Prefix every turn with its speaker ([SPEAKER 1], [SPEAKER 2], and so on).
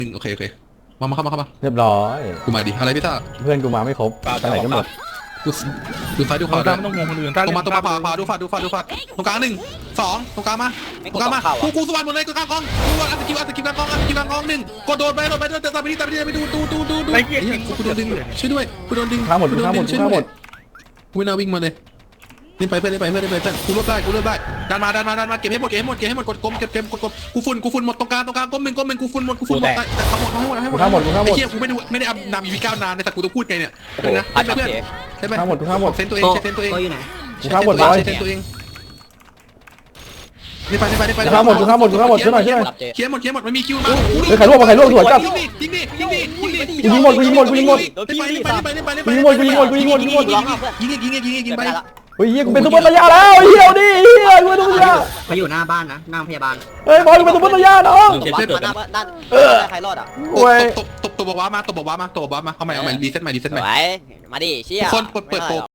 [SPEAKER 1] โอเคมาเข้ามา
[SPEAKER 2] เรียบร้อย
[SPEAKER 1] กูมาดิอะไรพี่ต้า
[SPEAKER 2] เพื่อนกูมาไม่ครบไปไหนกันหมด
[SPEAKER 1] ดูซ้ายดูขวา
[SPEAKER 3] ต้าไม่ต้องมองคนอื่นต้า
[SPEAKER 1] ตรงมาขวาดูฟาดตรงกลาง1 2ตรงกลางมาตรงกลางมากูสวรรค์หมดเลยตรงกลางกองกูอัดสกิลกลางกอง1กดโดดไปตามไปดูไอ้เหี้ยกูโดนดึงช่วยด้วยกูโดนดึง
[SPEAKER 2] ข้ามหมด
[SPEAKER 1] กูไม่น่าวิ่งมาเลยเล่นไปเพื่อนกูรวบได้ดันมาเก็บให้หมดกดกลมเก็บกูฝุ่นหมดตรงกลางก้มหนึ่งกูฝุ่นหมดแต่ทั้งหมดให้หมดไอ้เหี้ยกูไม่ได้อัพนำอีวี9นานในแต่กูต้องพูดไงเนี่ยนะเพื่อนใช่ไหม
[SPEAKER 2] ข้ามหมด
[SPEAKER 1] เซนตัวเองเซนตัวเอง
[SPEAKER 4] อยู่ไหน
[SPEAKER 1] เซนตัวเองนี่ไป
[SPEAKER 2] ข้ามหมดช่วยหน่อย
[SPEAKER 1] เคลียร์หมดมันมีคิวมา
[SPEAKER 2] ใครร่วงสวนจับ
[SPEAKER 1] ยิงดิ
[SPEAKER 2] ยิงหมด
[SPEAKER 1] ไป
[SPEAKER 2] ยิง
[SPEAKER 1] ไป
[SPEAKER 2] เฮ้ยกูเป็นซุปเปอร์ตายาแล้วเฮียดิเฮียกูเป็นซุปเปอร์ตายา
[SPEAKER 4] มาอยู่หน้าบ้านนะหน้าพยาบาล
[SPEAKER 2] เฮ้ยบอลกูเป็นซุปเปอร์ตายาน้อง
[SPEAKER 4] ด้านใครรอดอ่ะ
[SPEAKER 2] โอ้ย
[SPEAKER 1] ตบบอกว่ามาเอาใหม่รีเซ็ตใหม่
[SPEAKER 4] มาดิเชี่ย
[SPEAKER 1] คนเปิด